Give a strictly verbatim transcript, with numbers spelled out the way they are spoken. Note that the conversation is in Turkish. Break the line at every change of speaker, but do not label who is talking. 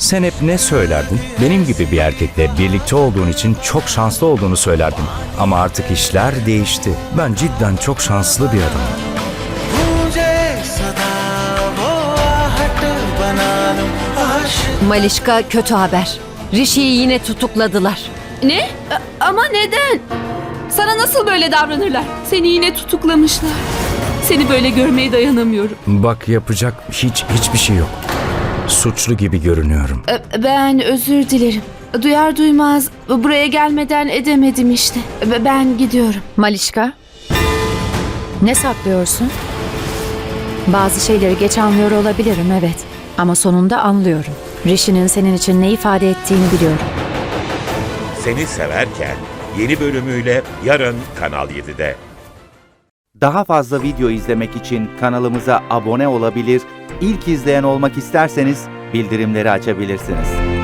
Sen hep ne söylerdin? Benim gibi bir erkekle birlikte olduğun için çok şanslı olduğunu söylerdin. Ama artık işler değişti. Ben cidden çok şanslı bir adamım.
Malişka, kötü haber. Rishi'yi yine tutukladılar.
Ne? A- Ama neden? Sana nasıl böyle davranırlar? Seni yine tutuklamışlar. Seni böyle görmeye dayanamıyorum.
Bak, yapacak hiç hiçbir şey yok. Suçlu gibi görünüyorum.
E, Ben özür dilerim. Duyar duymaz buraya gelmeden edemedim işte. E, Ben gidiyorum.
Malişka, ne saklıyorsun? Bazı şeyleri geç anlıyor olabilirim, evet. Ama sonunda anlıyorum. Rishi'nin senin için ne ifade ettiğini biliyorum.
Seni Severken yeni bölümüyle yarın Kanal yedide.
Daha fazla video izlemek için kanalımıza abone olabilir, ilk izleyen olmak isterseniz bildirimleri açabilirsiniz.